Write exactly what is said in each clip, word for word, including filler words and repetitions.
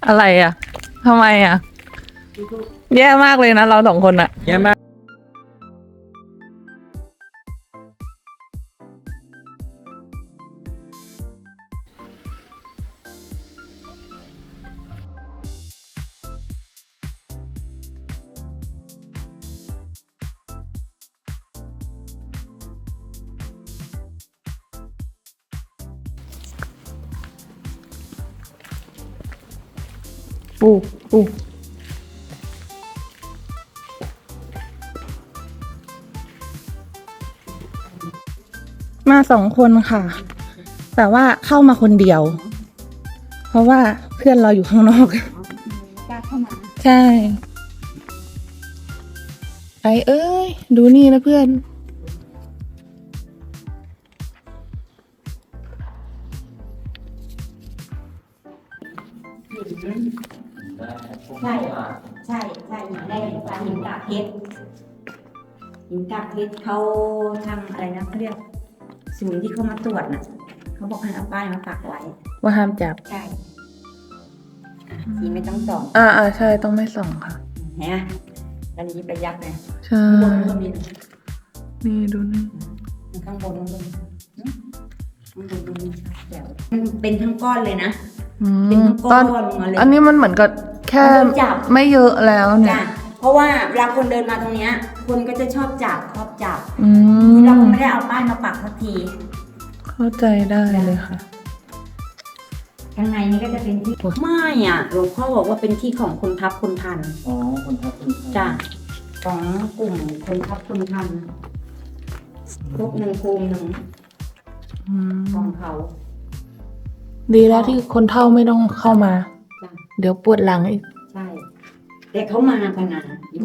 อะไรอ่ะทำไมอ่ะแย่มากเลยนะเราสองคนอ่ะแย่มากปูปูมาสองคนค่ะ แต่ว่าเข้ามาคนเดียว เพราะว่าเพื่อนเราอยู่ข้างนอกกล้าเข้ามาใช่ไอเอ้ย ดูนี่นะเพื่อนใช่ใช่ใช่หินแรกหินฟ้าหินกากเพชรหินกากเพชรเขาทำอะไรนะเขาเรียกศูนย์ที่เขามาตรวจน่ะเขาบอกให้เอาป้ายมาปักไว้ว่าห้ามจับใช่อ่ะสีไม่ต้องส่องอ่าอ่าใช่ต้องไม่ส่องค่ะเห็นไหมตอนนี้ไปยักษ์เลยใช่ข้างบนมันก็มีนี่ดูนี่ข้างบนมันก็มีข้างบนมันมีแถวมันเป็นทั้งก้อนเลยนะอืเป็นมทั้งตก้ออน นมาเลยอันนี้มันเหมือนกับแค่มันโดนจับไม่เยอะแล้วเนี่จ้ะยเพราะว่าเวลาคนเดินมาตรงเนี้ยคนก็จะชอบจับชอบจับอืมเราก็ไม่ได้เอาป้ายมาปักสักทีเข้าใจได้เลยค่ะข้างในนี้ก็จะเป็นที่ไม่อ่ะหลวงพ่อบอกว่าเป็นที่ของคนทับคนทันอ๋อคนทับคนทับจ้ะของกลุ่มคนทับคนทันครบหนึ่งภูมิหนึ่งอืมของเขาดีแล้วที่คนเฒ่าไม่ต้องเข้ามาจ้ะเดี๋ยวปวดหลังอีกใช่แต่เขามากันนะอยู่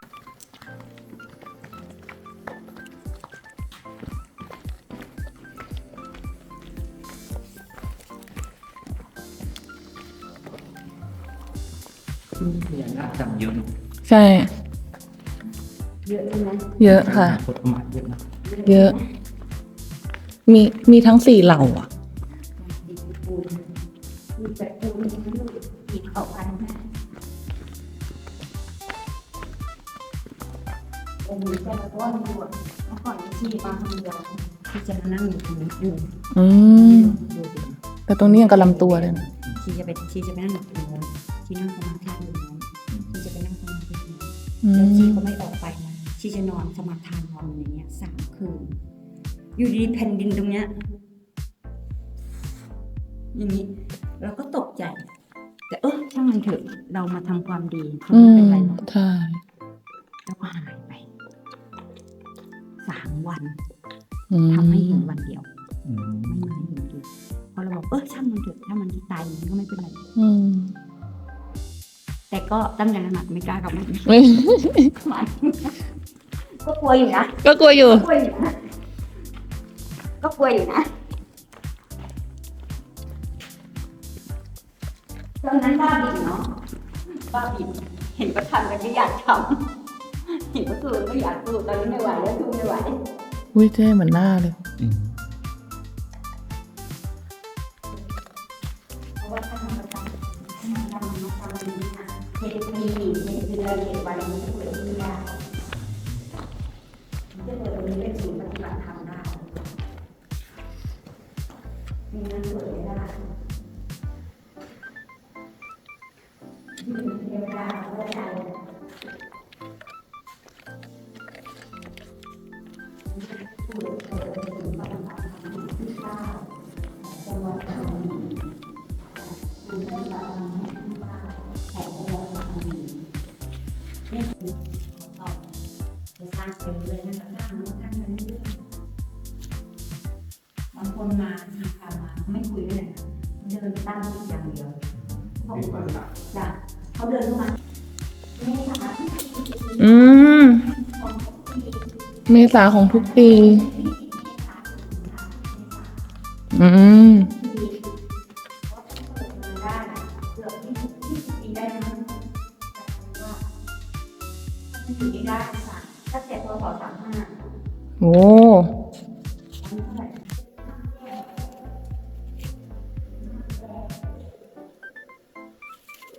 พญานาคจำเยอะเนอะใช่เยอะใช่ไหมเยอะค่ะอนาคตประมาณเยอะนะเยอะ มีมีทั้งสี่เหล่าอ่ะดีปูนมีแต่ปูนอีกเอาพันแม่องค์นี้แต่ละก้อนบวชเมื่อก่อนที่มาทำยาที่จะมานั่งอยู่ตรงนี้อยู่อืมดูดิแต่ตรงนี้ยังกับลำตัวเลยนะชีจะไปชีจะไปนั่งอยู่ตรงนู้นชีนั่งสมาธิอยู่ตรงนู้นชีจะไปนั่งสมาธิอยู่อืแล้วชีมก็ไม่ออกไปนะชีจะนอนสมาทานนอนอย่างเงี้ยสามคืน อยู่ดีๆแผ่นดินตรงเนี้ยอย่างนี้เราก็ตกใจ แต่เออช่างมันเถอะเรามาทำความดีก็อืไม่มเป็นไรหรอกใช่แล้วก็หายไปสามวันอืมทำให้เห็นวันเดียวอืมไม่มาให้เห็นอีกพอเราบอกเออช่างมันเถอะถ้ามันตายมันก็ไม่เป็นไรอืมแต่ก็ตั้งใจหนักไม่กล้ากลับมาอีกไม่มันก็กลัวอยู่นะก็กลัวอยู่ก็กลัวอยู่นะก็กลัวอยู่นะตอนนั้นบ้าบินเนาะบ้าบินเห็นก็ทำกันไม่อยากทำเห็นก็สู้ไม่อยากสู้ตอนนี้ไม่ไหวแล้วสู้ไม่ไหวอุ้ยเท่เหมือนหน้าเลยอืมเพราะว่าถ้าทำประจำถ้าทำมันทำมันดีนะเจ็ดปีเจ็ดเดือนเจ็ดวันมันจะเปิดที่ได้มันจะเปิดตรงนี้เป็นศูนย์ปฏิบัติธรรมได้มีเงินเปิดไม่ได้เทวดาเขาก็ใจผู้เปิดเปิดเป็นศูนย์ปฏิบัติธรรมที่เก้าจังหวัดกระบี่ศูนย์ปฏิบัติธรรมที่เก้าของจังหวัดกระบี่นี่คือต่อจะสร้างไปเรื่อยๆนะคะสร้างนู้นสร้างนั้นเรื่อยๆบางคนมาทีพามาไม่คุยด้วยนะเดินตั้งจิตอย่างเดียวเขาจ้ะเขาเดินเข้ามาไม่สามารถที่จะอืม เมษาของทุกปี อืมได้เกือบที่ที่ปีได้มั้งว่าถ้าอยู่ได้สามตั้งแต่พศสามห้าโอ้เ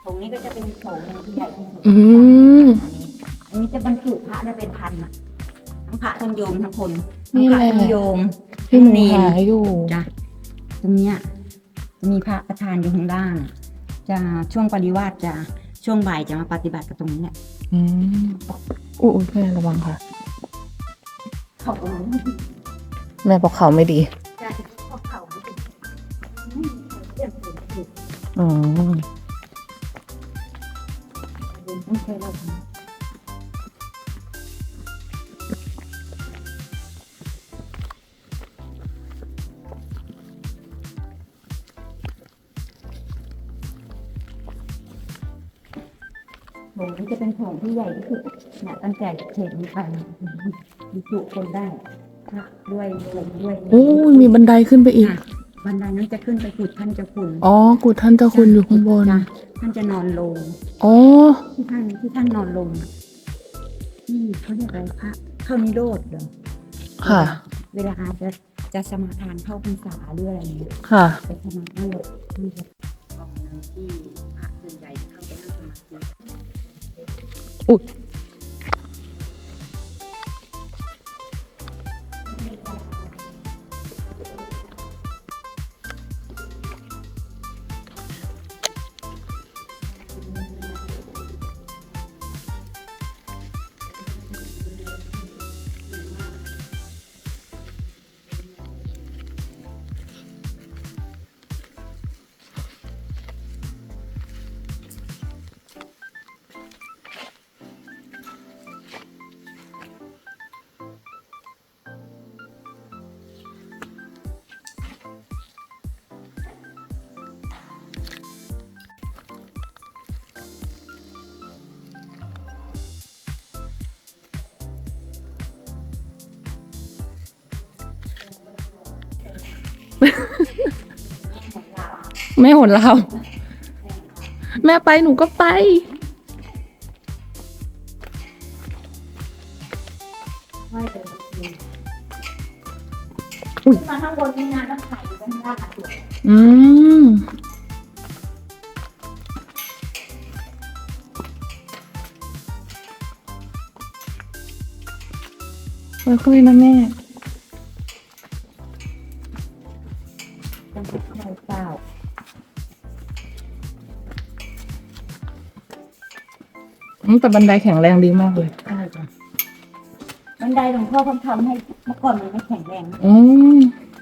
งนี้ก็จะเป็นโถงที่ใหญ่ที่สุดอืมอันนี้จะบรรจุพระได้เป็นพันอะทั้งพระทั้งโยมทั้งคนทั้งนี่พแหระละทั้งโยมที่หนูเนหาอยู่จ้ะตรงเนี้ยจะมีพระประธานอยู่ข้างล่างจะช่วงปริวาสจะช่วงบ่ายจะมาปฏิบัติกับตรงนี้แหละอืมอุ้ยแม่ระวังค่ะเขาตรงนี้แม่บอกเขาไม่ดีจะเขาเขาไม่เป็นไม่มีใครเรียกเป็นผิดอ๋อไม่เคยเล่าโถงนี้จะเป็นโถงที่ใหญ่ที่สุดเนี่ยตั้งแต่เขตนี้ไปบรรจุคนได้พระด้วยโยมด้วยโอ้ยมีบันไดขึ้นไปอีกค่ะบันไดนั้นจะขึ้นไปกุดท่านเจ้าคุณอ๋อ กุฏท่านเจ้าคุณอยู่ข้างบนจ้ะท่านจะนอนลงอ๋อที่ท่านที่ท่านนอนลงนี่เขาเรียกอะไรพระเข้านิโรธเหรอค่ะเวลาจะจะสมาทานเข้าพรรษาหรืออะไรอย่างเงี้ยค่ะไปสมาทานแบบที่จะกองนึงที่พระส่วนใหญ่จะเข้าไปนั่งสมาธิอุ๊ย แม่หนเราแม่ไปหนูก็ไปไม่เป็นไรอุ๊ยขึ้นมาข้างบนนี่นะต้องถ่ายอยู่ข้างล่างอ่ะตัวอืมค่อยๆนะแม่ต้องถ่ายเปล่าอืมแต่บันไดแข็งแรงดีมากเลยใช่จ้ะบันไดหลวงพ่อเขาทำให้เมื่อก่อนมันไม่แข็งแรงนะอืม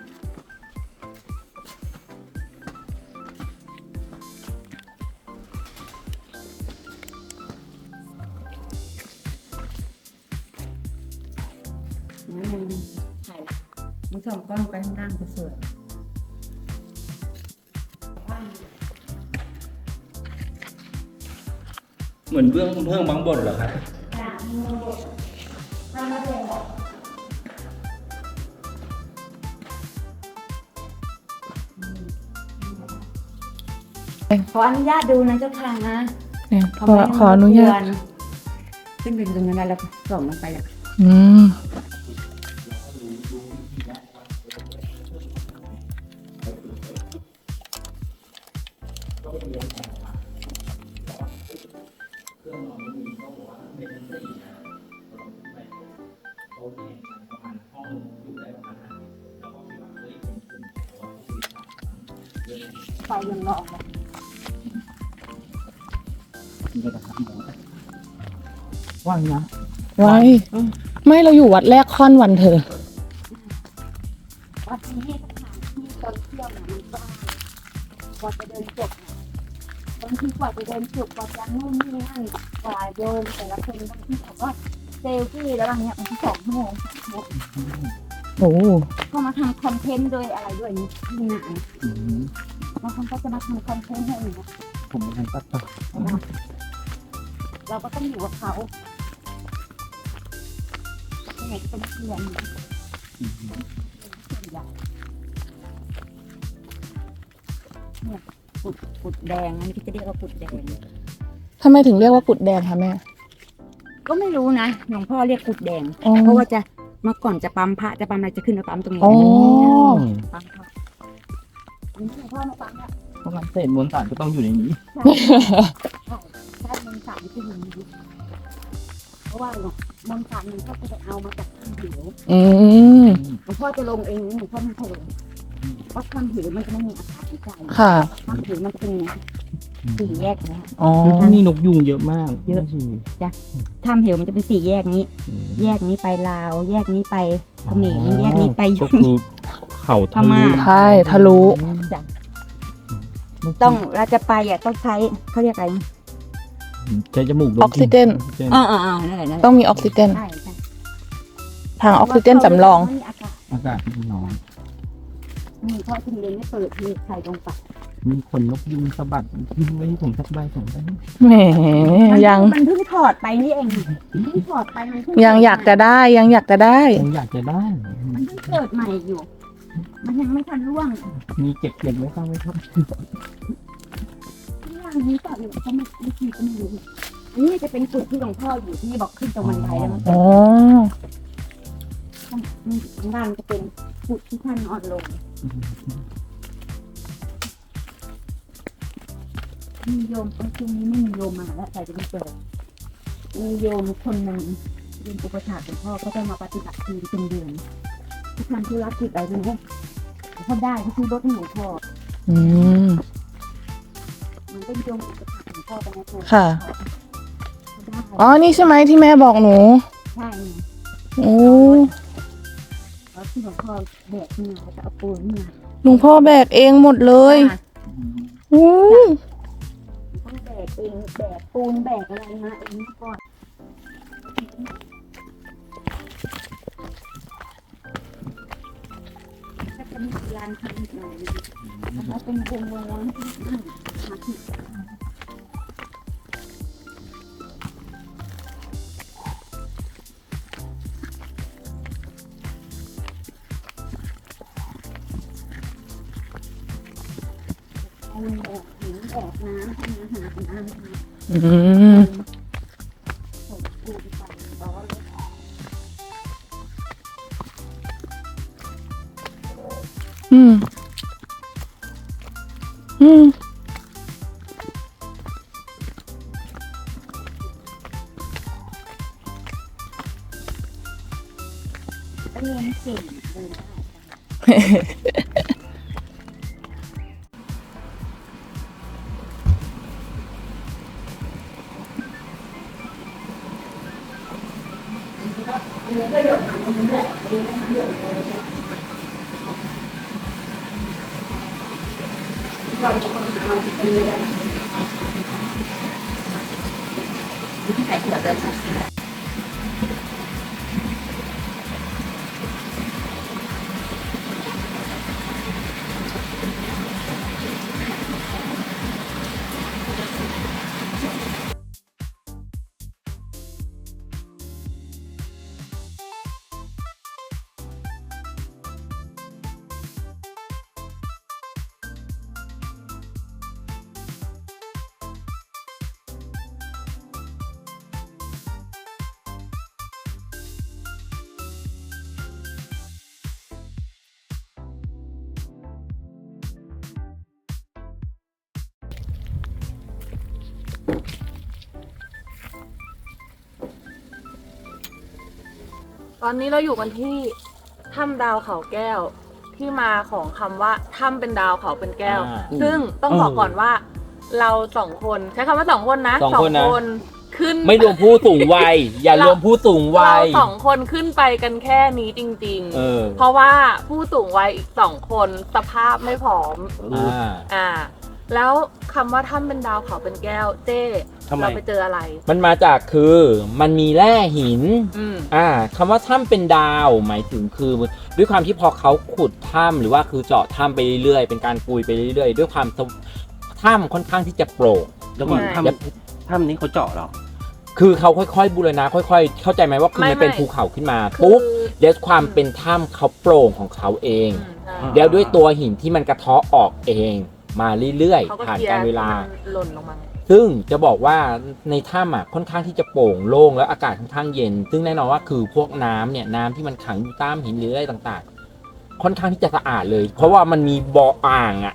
มันถ่ายมันส่องกล้องไปข้างล่างก็สวยเหมือนเบื้องเพิ่งบางบทเหรอครับขออนุญาตดูนะเจ้าค่ะนะเนี่ยขเขาอไม่ขออนุญาตขึ้นไปตรงนั้นแล้วส่งลงไปแล้วอืมไฟยังรอเลยว่างนะไว้ ไม่เราอยู่วัดแรกค่อนวันเธอวัดนี้สถานที่ตอนเที่ยวเนี่ยมันก็กว่าจะเดินจบเนี่ยบางทีกว่าจะเดินจบกว่าจะนู่นนี่นั่นกว่าโยมแต่ละคนบางทีเขาก็เซลฟี่แล้วบางเนี้ยบางทีสองชั่วโมงสามชั่วโมงโอ้ก็มาทำคอนเทนต์โดยอะไรด้วยนี่ที่ไหนบางคนก็จะมาทำคอนเทนต์ให้อย่างเงี้ยผมไม่ทันตัดต่อเราก็ต้องอยู่กับเขาไหนก็เป็นเพื่อนเนี่ยส่วนใหญ่เนี่ยปุดปุดแดงอันนี้ก็จะเรียกว่าปุดแดงทำไมถึงเรียกว่ากุดแดงคะแม่ก็ไม่รู้นะหลวงพ่อเรียกปุดแดงอ๋อเพราะว่าจะเมื่อก่อนจะปั๊มพระจะปั๊มอะไรจะขึ้นมาปั๊มตรงนี้อ๋อปั๊มพระอันนี้หลวงพ่อมาปั๊มเนี่ยราะงั้นเศษมวลสารก็ต้องอยู่ในนี้ใช่ใช่มนต์สารที่อยู่ในนี้เพราะว่าเนี่ยมนต์สารมันก็จะไปเอามาจากถ้ำเหวอืมหลวงพ่อจะลงเองหลวงพ่อไม่เคยลงเพราะถ้ำเหวมันจะไม่มีอากาศหายใจค่ะถ้ำเหวมันจะเป็นอย่างนี้สี่แยกนะอ๋อนี่นกยุงเยอะมากเยอะ ถ้ำเหวมันจะเป็นสี่แยกนี้ แยกนี้ไปลาว แยกนี้ไปเขมรแยกนี้ไปก็คือเขาทะลุใช่ทะลุต้องเราจะไปอ่ะต้องใช้เขาเรียกอะไรใช้จมูกดมออกซิเจนออกซิเจนอ่าอ่านั่นแหละนั่นแหละต้องมีออกซิเจนใช่ใช่ทางออกซิเจนสำรองไม่มีอากาศอากาศมันน้อยมีเพราะถึงเรียนไม่เปิดมีใครลงไปมีคนนกยุงสะบัดทิ้งไว้ให้ผมสักใบสองใบแหมมันยังมันเพิ่งถอดไปนี่เองเพิ่งถอดไปมันเพิ่ยังอยากจะได้ยังอยากจะได้ผมอยากจะได้มันเพิ่งเกิดใหม่อยู่ มันยังไม่ทันร่วงมีเก็บเก็บไว้ข้างไว้ครับที่ล่างนี้ก็อยู่ก็ไม่ไม่คิดก็ไม่รู้อันนี้จะเป็นจุดที่หลวงพ่ออยู่ที่บอกขึ้นตรงบันไดแล้วมันอ๋อข้างล่างจะเป็นจุดที่ท่านนอนลง มีโยมไอ้ช่วงนี้ไม่มีโยมมาแล้วแต่จะมีเปิดมีโยมคนหนึ่งเป็นอุปถากหลวงพ่อก็จะมาปฏิบัติทีเป็นเดือนที่ทำธุรกิจอะไรเป็นพวกเขาได้เขาซื้อรถให้หลวงพ่ออืมมันเป็นโยมอุปถากหลวงพ่อไปนะตัวค่ะเขาได้อ๋อ นี่ใช่ไหมที่แม่บอกหนูใช่โอ้แล้วที่หลวงพ่อแบกขึ้นมาแล้วก็เอาปูนมาหลวงพ่อแบกเองหมดเลยอืมต้องแบกเองแบกปูนแบกอะไรมาเองก่อนก็จะมีลานทำอีกหน่อยนึงแล้วเป็นวงวงที่นั่งมาที่ ปูนแบกหินแบกน้ำให้อาหารน้ำอืมส่งปูนไปร้อนเลยอืม อืมก็เรียนเก่งเดินได้ตอนนี้เราอยู่กันที่ถ้ำดาวเขาแก้ว ที่มาของคำว่าถ้ำเป็นดาวเขาเป็นแก้วอ่าซึ่งต้องบอกก่อนว่า เราสองคนใช้คำว่าสองคนนะสองคนนะขึ้นไม่รวมผู้สูงวัย อย่ารวมผู้สูงวัเรายสองคนขึ้นไปกันแค่นี้จริงเออเพราะว่าผู้สูงวัยอีกสองคนสภาพไม่ผอมอ่าอ่า แล้วคำว่าถ้ำเป็นดาวเขาเป็นแก้วเจ้ทำไมเราไปเจออะไรมันมาจากคือมันมีแร่หินอืมอ่าคำว่าถ้ำเป็นดาวหมายถึงคือด้วยความที่พอเขาขุดถ้ำหรือว่าคือเจาะถ้ำไปเรื่อยๆเป็นการปุยไปเรื่อยๆด้วยความถ้ำค่อนข้างที่จะโปร่งแล้วก่อนใช่ถ้ำถ้ำนี้เขาเจาะเหรอคือเขาค่อยๆบูรณะค่อย ๆ เข้าใจไหมว่าคือไม่มันเป็นไม่ภูเขาขึ้นมาคือปุ๊บเดี๋ยวความเป็นถ้ำเขาโปร่งของเขาเองอืมใช่อ่าเดี๋ยวด้วยตัวหินที่มันกระเทาะออกเองมาเรื่อยเขาก็ๆผ่านเคลียการร์เวลาที่มันหล่นลงมาซึ่งจะบอกว่าในถ้ำอ่ะค่อนข้างที่จะโปร่งโล่งแล้วอากาศค่อนข้างเย็น ซึ่งแน่นอนว่าคือพวกน้ำเนี่ยน้ำที่มันขังอยู่ตามหินหรืออะไรต่างๆ ค่อนข้างที่จะสะอาดเลย เพราะว่ามันมีบ่ออ่างอ่ะ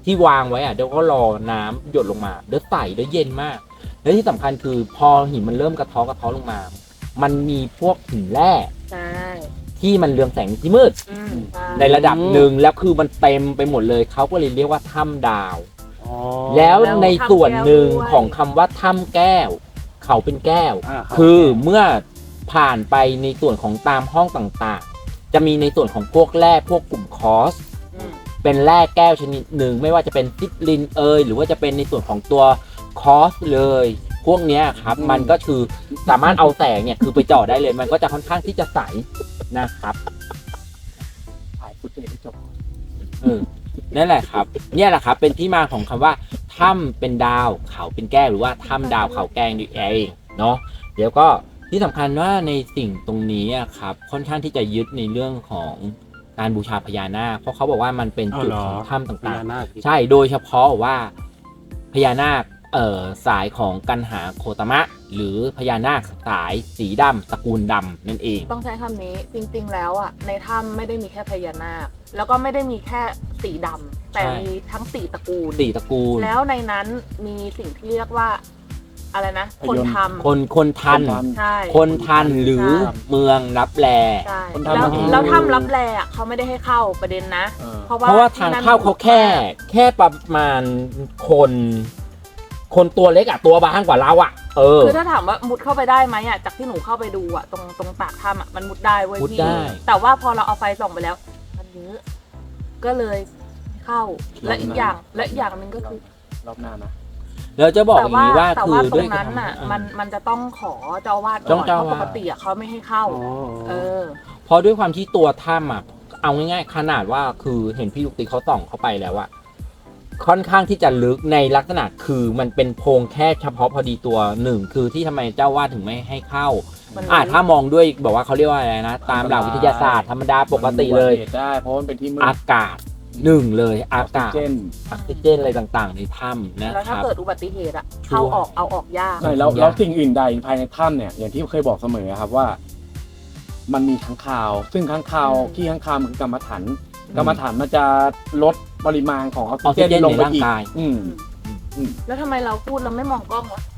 ที่วางไว้อ่ะเดี๋ยวก็รอน้ำหยดลงมาเดี๋ยวใสเดี๋ยวเย็นมาก และที่สำคัญคือพอหินมันเริ่มกระเทากระเทาะลงมา มันมีพวกหินแร่ใช่ที่มันเรืองแสงที่มืดอืมใช่ในระดับหนึ่งแล้วคือมันเต็มไปหมดเลยเขาก็เลยเรียกว่าถ้ำดาวอ๋อแล้วในส่วนหนึ่งของคำว่าถ้ำแก้ว เขาเป็นแก้วอ่ารับคือเมื่อผ่านไปในส่วนของตามห้องต่างๆ จะมีในส่วนของพวกแร่พวกกลุ่มคอสอืมเป็นแร่แก้วชนิดหนึ่งไม่ว่าจะเป็นซิตลินเอยหรือว่าจะเป็นในส่วนของตัวคอสเลย พวกเนี้ยครับมันก็คือสามารถเอาแสงเนี่ยคือไปเจาะได้เลย มันก็จะค่อนข้างที่จะใสนะครับถ่ายฟุตเทจให้จบเออนั่นแหละครับ เนี่ยแหละครับ เป็นที่มาของคำว่าถ้ำเป็นดาวเขาเป็นแก้วหรือว่าถ้ำดาวเขาแกงนี่เองเนาะเดี๋ยวก็ที่สำคัญว่าในสิ่งตรงนี้อะครับค่อนข้างที่จะยึดในเรื่องของการบูชาพญานาคเพราะเขาบอกว่ามันเป็นจุดของถ้ำพต่างญานาคๆ ใช่โดยเฉพาะว่าพญานาคเอ่อสายของกันหาโคตมะ หรือพญานาคสายสีดำตระกูลดำนั่นเองต้องใช้คำนี้จริงๆแล้วอ่ะในถ้ำไม่ได้มีแค่พญานาคแล้วก็ไม่ได้มีแค่สีดำแต่ใช่มีทั้งสี่ตระกูลสี่ตระกูลแล้วในนั้นมีสิ่งที่เรียกว่าอะไรนะ คนทำคนคนทันใช่คนทันหรือใช่เมืองรับแลใช่คนทำแล้วมันแล้วถ้ำรับแลอ่ะเขาไม่ได้ให้เข้าประเด็นนะเออเพราะว่าเพราะว่าทางเข้าเขาแค่ แค่ประมาณคน คนตัวเล็กอะตัวบางกว่าเราอะเออคือถ้าถามว่ามุดเข้าไปได้ไหมอ่ะจากที่หนูเข้าไปดูอ่ะตรงตรงปากถ้ำอ่ะมันมุดได้เว้ยมุดพี่ได้แต่ว่าพอเราเอาไฟส่องไปแล้ว มันเยอะก็เลยเข้าและอีกอย่างและอีกอย่างหนึ่งก็คือรอบหน้านะแล้วจะบอกแต่อย่างนี้ว่าแต่คือว่าตรด้วยงนั้นน่ะความมันมันจะต้องขอเจ้าอาวาดต้ก่ออง นเจ้าเพอาวาสราะปกติอ่ะเขาไม่ให้เข้า เออเพราะด้วยความที่ตัวถ้ำอะเอาง่ายๆขนาดว่าคือเห็นพี่ลูกติ๊กเขาส่องเข้าไปแล้วอะค่อนข้างที่จะลึกในลักษณะคือมันเป็นโพรงแค่เฉพาะพอดีตัวหนึ่งคือที่ทำไมเจ้าวาดถึงไม่ให้เข้ามันอ่าถ้ามองด้วยบอกว่าเขาเรียกว่าอะไรนะ ตามหลักวิทยาศาสตร์ธรรมดาปกติเลยมันอุบัติหตุได้เพราะมันเป็นที่มืดอากาศหนึ่งเลยอากาศออกซิเจนออกซิเจนอะไรต่างๆ ในถ้ำนะแล้วคถ้ารับเกิดอุบัติเหตุอ่ะเข้าออกเอาออกยากใช่แล้วแล้วสิ่งอื่นใดภายในถ้ำเนี่ยอย่างที่เคยบอกเสมอครับว่า มันมีค้างคาว ซึ่งค้างคาวอืมขี้ค้างคาวมันคือกรรมฐานอืมกรรมฐานมันจะลดปริมาณของออกออกซิซิเจเจนนลงไปในร่างอีกกายอืมแล้วทำไมเราพูดเราไม่มองกล้องวะ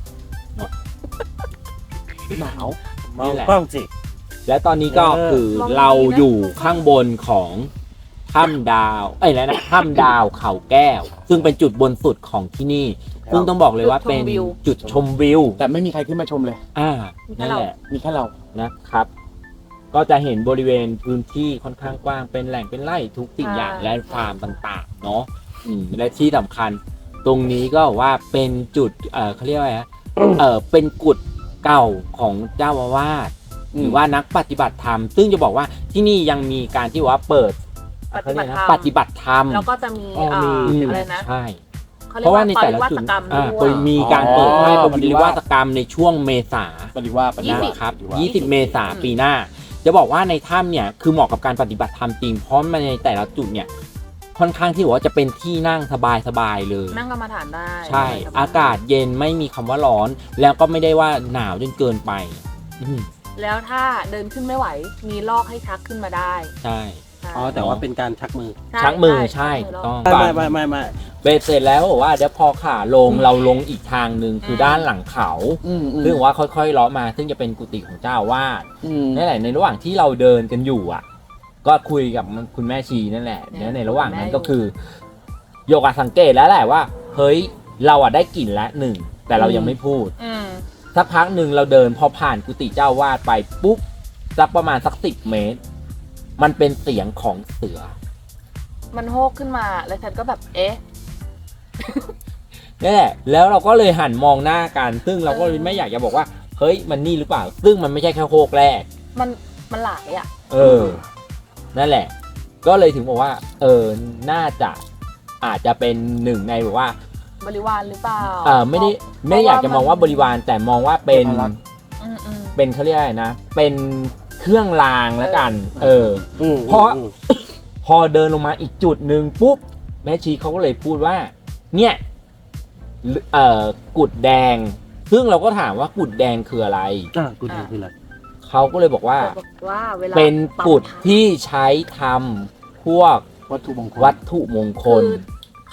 หนาวมองกล้องสิและตอนนี้ก็เออคือเราอยู่ข้างบนของถ้ำดาว เอ้ยแล้วนะถ้ำดาวเขาแก้ว ซึ่งเป็นจุดบนสุดของที่นี่ ซึ่งต้องบอกเลยว่าเป็นจุดชมวิวแต่ไม่มีใครขึ้นมาชมเลยอ่านั่นแหละมีแค่เรานะครับ ก็จะเห็นบริเวณพื้นที่ค่อนข้างกว้างเป็นแหล่งเป็นไร่ทุกสิ่งอย่างและฟาร์มต่างๆ เนาะอืมและที่สำคัญ ตรงนี้ก็ว่าเป็นจุดเออเขาเรียกว่าไงนะเออเป็นกุฏเก่าของเจ้าอาวาสอืมหรือว่านักปฏิบัติธรรม ซึ่งจะบอกว่าที่นี่ยังมีการที่ว่าเปิดปฏิบัติธรรมปฏิบัติธรรมแล้วก็จะมีอ๋อมีเอ่ออืมอะไรนะใช่เขาเรีเพยกราะว่าว่าในปแต่ริละวาจุสดกรรมอ่าด้โดวยยมีการเปิดให้อ๋อปฏิวัติกรรมในช่วงเมษาปฏิว่าปฏิยี่ว่าสิบนะครับปฏิว่ายี่สิบ เมษายนปีหน้า จะบอกว่าในถ้ำเนี่ย คือเหมาะกับการปฏิบัติธรรมจริง เพราะมันในแต่ละจุดเนี่ย ค่อนข้างที่ว่าจะเป็นที่นั่งสบายๆเลยนั่งกรรมฐานได้ใช่ อากาศเย็นไม่มีคำว่าร้อน แล้วก็ไม่ได้ว่าหนาวจนเกินไป อืมแล้วถ้าเดินขึ้นไม่ไหว มีลอกให้ชักขึ้นมาได้ใช่ใช่อ๋อแต่ว่าเป็นการชักมือใช่ชักมือใช่ชักมืต้องไม่ไม่ไม่ไม่ไม่เบสเสร็จแล้วบอกว่าเดี๋ยวพอขาลงเราลงอีกทางหนึ่งคือด้านหลังเขาอืมอืมซึ่งว่าค่อยๆเลาะมา ซึ่งจะเป็นกุฏิของเจ้าอาวาสอืมนั่นแหละในระหว่างที่เราเดินกันอยู่อ่ะ ก็คุยกับคุณแม่ชีนั่นแหละเนี่ยในระหว่างนั้นก็คือโยกสังเกตแล้วแหละว่าเฮ้ยเราอ่ะได้กลิ่นแล้วหนึ่งแต่เรายังไม่พูดอืมสักพักหนึ่งเราเดินพอผ่านกุฏิเจ้าวาดไปปุ๊บสักประมาณสักสิบเมตร มันเป็นเสียงของเสือมันโฮกขึ้นมาแล้วฉันก็แบบเอ๊ะนี่นแหละแล้วเราก็เลยหันมองหน้ากัน ซึ่งเราก็ไม่อยากจะบอกว่าเฮ้ยมันนี่หรือเปล่า ซึ่งมันไม่ใช่แค่โฮกแรกมันมันหลายอ่ะเออ นั่นแหละ ก็เลยถึงบอกว่า เออ น่าจะอาจจะเป็นหนึ่งในแบบว่าบริวารหรือเปล่าเออไม่ได้ไม่ได้อยากจะมองว่าบริวารแต่มองว่าเป็นอืมอืมเป็นเขาเรียกอะไรนะ เป็นเครื่องรางแล้วกัน เอออืมเพราะอืมพอเดินลงมาอีกจุดหนึ่งปุ๊บแม่ชีเขาก็เลยพูดว่า เนี่ยเอ่อกุดแดง ซึ่งเราก็ถามว่ากุดแดงคืออะไรอ่ะกูดูคืออะไรเขาก็เลยบอกว่าแต่บอกว่าเวลาเป็นกุดปั๊มที่ใช้ทำพวกวัตถุมงคลวัตถุมงคคืลอ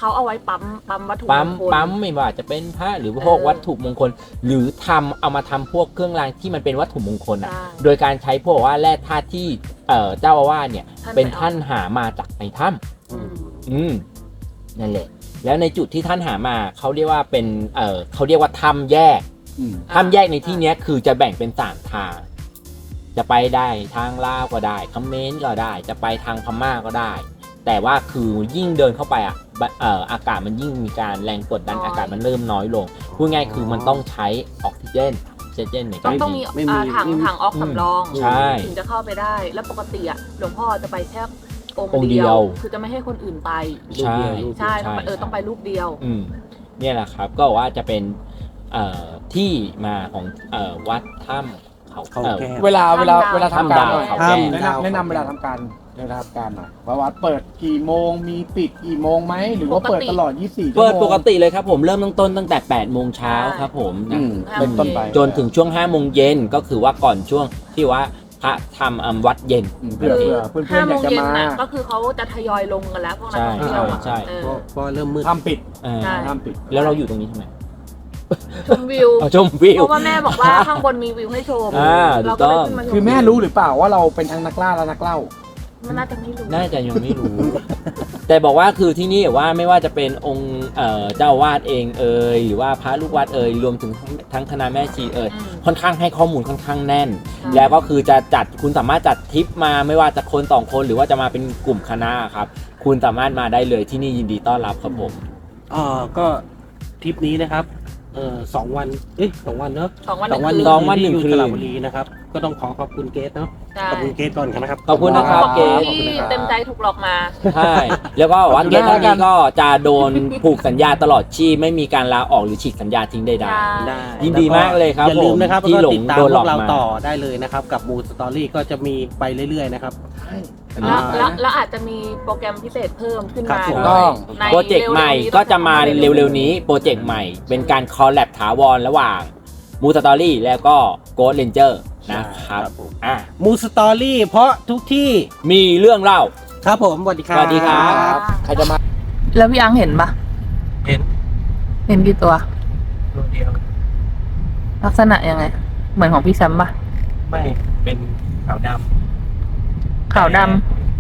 เขาเอาไว้ปั๊มปั๊มวัตถุปั๊มมงคลปั๊มไม่ว่าจะเป็นพระหรือพวกเออวัตถุมงคล หรือทำเอามาทำพวกเครื่องรางที่มันเป็นวัตถุมงคลอ่ะใช่โดยการใช้พวกว่าแร่ธาตุที่เอ่อเจ้าอาวาสเนี่ยท่านเป็นไปเอาท่านหามาจากในถ้อืมำอืมนั่นแหละ แล้วในจุดที่ท่านหามาเขาเรียกว่าเป็นเอ่อเขาเรียกว่าถ้ำแยกอืมถ้ำแยกในที่เนี้ยคือจะแบ่งเป็นสามทาง จะไปได้ทางลาวก็ได้เขมรก็ได้ จะไปทางพม่าก็ได้ แต่ว่าคือยิ่งเดินเข้าไปอ่ะบะเอ่ออากาศมันยิ่งมีการแรงกดดันน้อยอากาศมันเริ่มน้อยลงพูดง่ายคือมันต้องใช้ออกซิเจนออกซิเจนในต้กาองรต้องมีไม่มีอ่าถังไม่มีถังออกสำรองใช่ถึงจะเข้าไปได้ แล้วปกติอ่ะหลวงพ่อจะไปแค่ององค์ค์เดีเดียยว ว คือจะไม่ให้คนอื่นไปใช่ใช่ต้องไปเออต้องไปรูปเดียวอืมเนี่ยแหละครับก็ว่าจะเป็นเอ่อที่มาของเอ่อวัดถ้ำเขาเขาเอ่อแก้วเวลาเวลาถ้ำดาวเวลาทำการถ้ำดาวหน่อยเขาแก้วแนะนำแนะนำเวลาทำการเวลาทำการหน่อยว่าวัดเปิดกี่โมงมีปิดกี่โมงไหมหรือว่าเปิดตลอดยี่สิบสี่ชั่วโมงเปิดปกติเลยครับผมเริ่มตั้งต้นตั้งแต่แปดโมงเช้าครับผมอืนะมเป็นต้นไปจนถึงช่วงห้าโมงเย็นก็คือว่าก่อนช่วงที่ว่าพระทำอ่ำวัดเย็นอืมเผื่อเผื่อเพื่อนห้าๆอโมยากงจะเย็นมาน่ะก็คือเขาจะทยอยลงกันแล้วพวกนักท่องเที่ยวอะใช่เออเพราะเพราะเริ่มมืดทำปิดเออใช่ทำปิดแล้วเราอยู่ตรงนี้ทำไมชมวิวเอาชมวิวเพราะว่าแม่บอกว่าข้างบนมีวิวให้ชมอ่าเราก็เลยถูกต้องขึ้นมาชมคือแม่รู้หรือเปล่าว่าเราเป็นทั้งนักล่าและนักเล่ามันน่าจะไม่รู้น่าจะยังไม่รู้ แต่บอกว่าคือที่นี่ว่าไม่ว่าจะเป็นองค์เอ่อเจ้าอาวาสเองเอ่ยหรือว่าพระลูกวัดเอ่ยรวมถึงทั้งทั้งคณะแม่ชีเอ่ยอืมค่อนข้างให้ข้อมูลค่อนข้างแน่นใช่แล้วก็คือจะจัดคุณสามารถจัดทริปมาไม่ว่าจะคนสองคนหรือว่าจะมาเป็นกลุ่มคณะครับ คุณสามารถมาได้เลยที่นี่ยินดีต้อนรับครับผมเอ่อก็ทริปนี้นะครับเอ่อสองวันเอ้ยสองวันเนอะสองวันหสอนึ่งงวันคืนสองวันหนึ่งที่คือยู่นสระบุรีนะครับ ก็ต้องขอขอบคุณเกสเนาะใช่ขอบคุณเกสก่อนนะครับขอบคุณนะคขรัอบบ เกคุณสที่เต็มใจถูกหลอกมาใช่แล้วก็ว่าเกสขอบคุณท่านมากนี้ก็จะโดนผูกสัญญาตลอดชีพไม่มีการลาออกหรือฉีกสัญญาทิ้งใดใช่ได้ยินดีมากเลยครับอย่าลืมนะครับผมที่แล้วหลก็งติดตามโดนพหลวอกกเรามาต่อได้เลยนะครับกับมูสตอรี่ก็จะมีไปเรื่อยๆนะครับแล้วอ่าแล้วแล้วอาจจะมีโปรแกรมพิเศษเพิ่มขึ้นครับมาถูกด้ต้วอย งในโปรเจกต์ใหม่ก็จะมาเร็วๆนี้โปรเจกต์ใหม่ เป็นการคอลแลบถาวรระหว่างมูสตอรี่แล้วก็โกดเลนเจอร์นะครับครับผมอ่ะมูสตอรี่เพราะทุกที่มีเรื่องเล่าครับผมสวัสดีครับสวัสดีครับใครจะมาแล้วพี่อังเห็นปะเห็นเห็นกี่ตัวตัวเดียวลักษณะยังไง เหมือนของพี่แซมปะไม่เป็นขาวดขาวดำ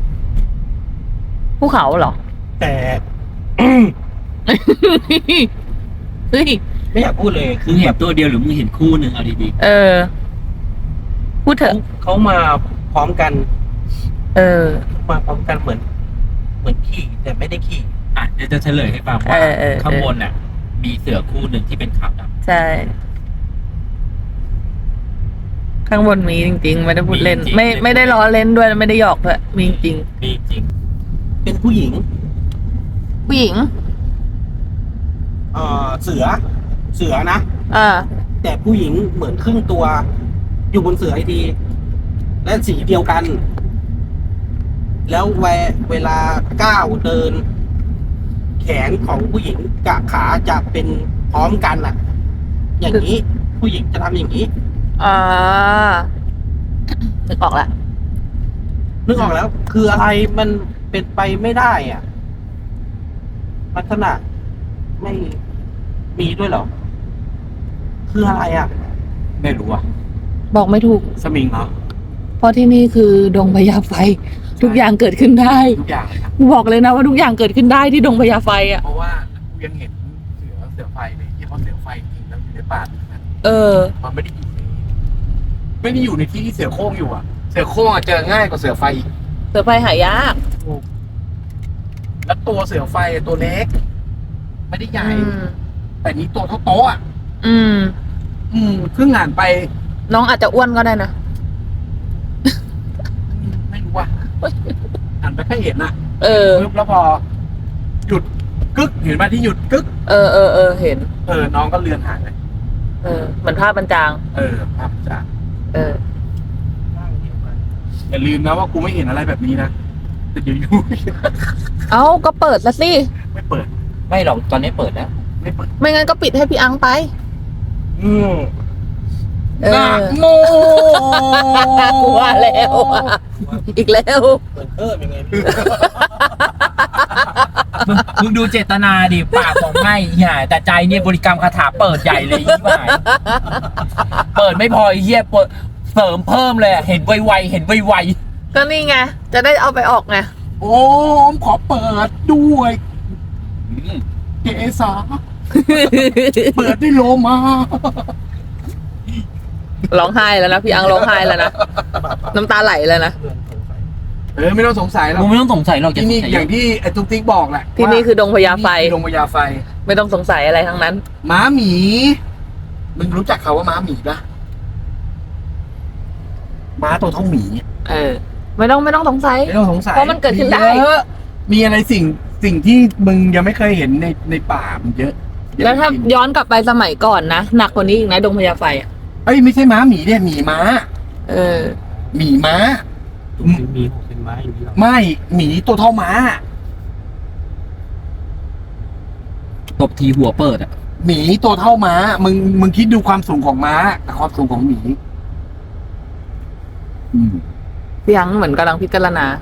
ภูเขาเหรอำแต่เฮ้ยไม่อยากพูดเลยคือเห็นตัวเดียวหรือมึงเห็นคู่หนึ่งเอาดีเออ พูดๆเถเขาอะเขามาพร้อมกันเออมาพร้อมกันเหมือน เหมือนขี่แต่ไม่ได้ขี่อ่ะเดี๋ยวจะเฉลยให้ฟังเอว่าอเออข้างบนน่ะ มีเสือคู่หนึ่งที่เป็นขาวดำใช่ ข้างบนมีจริงๆ ไม่ได้พูดเล่นมีจริงไม่ไม่ได้ล้อเล่นด้วยไม่ได้หยอกด้วยมีจริงมีจริงเป็นผู้หญิงผู้หญิงเอ่อเสือ เสือนะอ่าแต่ผู้หญิงเหมือนครึ่งตัว อยู่บนเสือไอที และสีเดียวกัน แล้วเวเวลาก้าวเดิน แขนของผู้หญิงกับขาจะเป็นพร้อมกันอ่ะ อย่างนี้ ผู้หญิงจะทำอย่างนี้อ่านึกออกละนึกออกแล้ว คืออะไรมันเป็นไปไม่ได้อ่ะ ลักษณะไม่มีด้วยเหรอ คืออะไรอ่ะไม่รู้อ่ะบอกไม่ถูกสมิงเหรอเพราะที่นี่คือดงพญาไฟ ทุกอย่างเกิดขึ้นได้ทุกอย่างเลยครับบอกเลยนะว่าทุกอย่างเกิดขึ้นได้ที่ดงพญาไฟอ่ะเพราะว่ากูยังเห็นเสือเสือไฟเลยที่เขาเสือไฟจริงแล้วอยู่ในป่านะเออมันไม่ได้อยู่ในไม่ได้อยู่ในที่ที่เสือโคร่งอยู่อ่ะ เสือโคร่งอะเจอง่ายกว่าเสือไฟอีกเสือไฟหายากแล้วตัวเสือไฟตัวเล็ก ไม่ได้ใหญ่อืมแต่นี้ตัวเท่าโต๊ะอ่ะอืมอืมครึ่งอ่านไปน้องอาจจะอ้วนก็ได้นะไม่รู้ว่าอ่านไปแค่เห็นอ่ะเออปึ๊บแล้วพอ หยุดกึกเห็นไหมที่หยุดกึกเออเออเออเห็นเออน้องก็เลือนหายไปเออ เหมือนภาพบรรจางเออภาพจากเอออย่าลืมนะว่ากูไม่เห็นอะไรแบบนี้นะแต่เดี๋ยวอยู่เอ้าก็เปิดละสิไม่เปิดไม่หรอกตอนนี้เปิดแล้วไม่เปิดไม่งั้นก็ปิดให้พี่อังไปอืมเออนะโมกูว่าแล้วอะอีกแล้วเหมือนเพิ่มยังไงพี่มึงดูเจตนาดิปากบอกไม่เหี้ยแต่ใจเนี่ยบริกรรมคาถาเปิดใหญ่เลยยี่ห้ายเปิดไม่พอไอ้เหี้ยเปิดเสริมเพิ่มเลยเห็นไวๆเห็นไวก็นี่ไง จะได้เอาไปออกไงโอ้มขอเปิดด้วยเกษาเปิดด้วยโลมาร้องไห้แล้วนะพี่อังร้องไห้แล้วนะ น้ำตาไหลแล้วนะเออไม่ต้องสงสัยหรๆอกมึงไม่ต้องสงสัยหรอกที่นี่อย่างที่ไอ้ตุ๊กติ๊กบอกแหละที่นี่คือดงพญาไฟที่นี่คือดงพญาไฟไม่ต้องสงสัยอะไรทั้งนั้นม้าหมีมึงรู้จักเขาว่าม้าหมีปะม้าตัวเท่าหมีเออ ไม่ต้องไม่ต้องสงสัยไม่ต้องสงสัยเพราะมันเกิดขึ้นได้เยอะมีอะไรสิ่งสิ่งที่มึงยังไม่เคยเห็นในในป่ามันเยอะเยอะแล้วถ้าจริงย้อนกลับไปสมัยก่อนนะหนักกว่านี้อีกนะดงพญาไฟอ่ะเอ้ยไม่ใช่ม้าหมีเนี่ยหมีม้าเออหมีม้ามีหกเป็นไม้อย่างนี้หรอไม่หมีตัวเท่าม้าตบทีหัวเปิดอ่ะหมีตัวเท่าม้า มึงมึงคิดดูความสูงของม้ากับความสูงของหมี อืมพี่อังเหมือนกำลังพิจารณา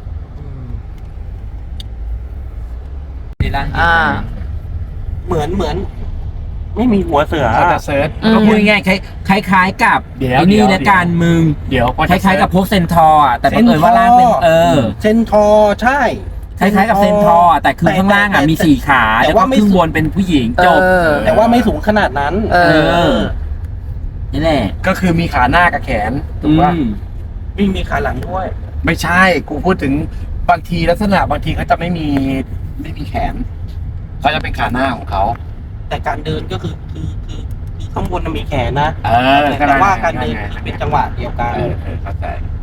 อ่าเหมือนเหมือน ไม่มีหัวเสือเขาจะเซิร์ชอืมก็พูดง่ายๆคล้ายคล้ายๆกับเดี๋ยวไอ้นี่เดี๋ยวและการมึงเดี๋ยวพอคจะล้ายๆกับพวกเซนทอร์อะแต่บังเอิญว่าล่างเป็นเออเซนทอร์ใช่คล้ายๆกับเซนทอร์อะแต่คือข้างล่างอ่ะมีสี่ขาแต่แล้วก็ว่าไม่ข้างบนเป็นผู้หญิงจบเออแต่ว่าไม่สูงขนาดนั้นเอเอออนี่แหละก็คือมีขาหน้ากับแขนถูกป่ะอืมมีมีขาหลังด้วยไม่ใช่ กูพูดถึงบางทีลักษณะบางทีเขาจะไม่มีไม่มีแขน เขาจะเป็นขาหน้าของเขาแต่การเดินก็คือคือคือคือข้างบนน่ะมีแขนนะเออแต่ว่าการเดินคือเป็นจังหวะเดียวกันเออเออเข้าใจ